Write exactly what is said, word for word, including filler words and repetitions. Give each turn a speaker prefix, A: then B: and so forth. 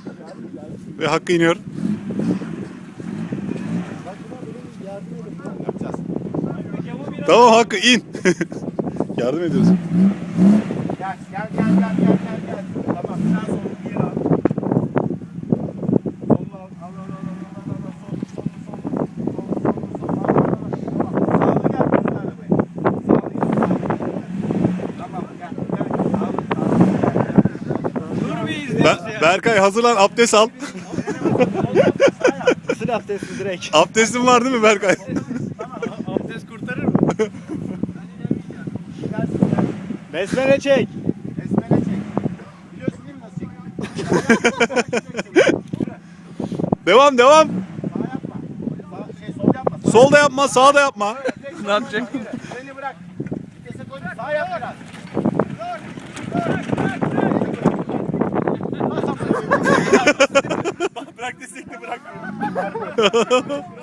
A: Ve Hakkı iniyor. Tamam Hakkı in. Yardım ediyoruz.
B: Gel gel gel gel gel gel gel. Tamam biraz sonra bir yere al. Solunu al. Al al al al al al. Sol sol sol. Sol sol sol. Al al al. Tamam. Sağlı gel bizim arabaya. Sağlı gel. Sağlı gel. Tamam gel gel. Dur bir izleyelim.
A: Ber- Berkay hazırlan, abdest al.
C: Isır abdesti direkt.
A: Abdestin var değil mi Berkay?
C: Abdest kurtarır mı? Besmele çek.
B: Besmele çek. Biliyorsun değil mi nasıl çekiyor?
A: Devam devam.
B: Sağ yapma. Sağ, şey, sol yapma. Sağ
A: Sol da yapma, sağ da yapma.
C: Ne yapacak?
B: Freni bırak. Vitese koy. Sağ yap biraz. Dur. Nasıl yapıyorsun?
C: Bırak desek de bırakmıyor.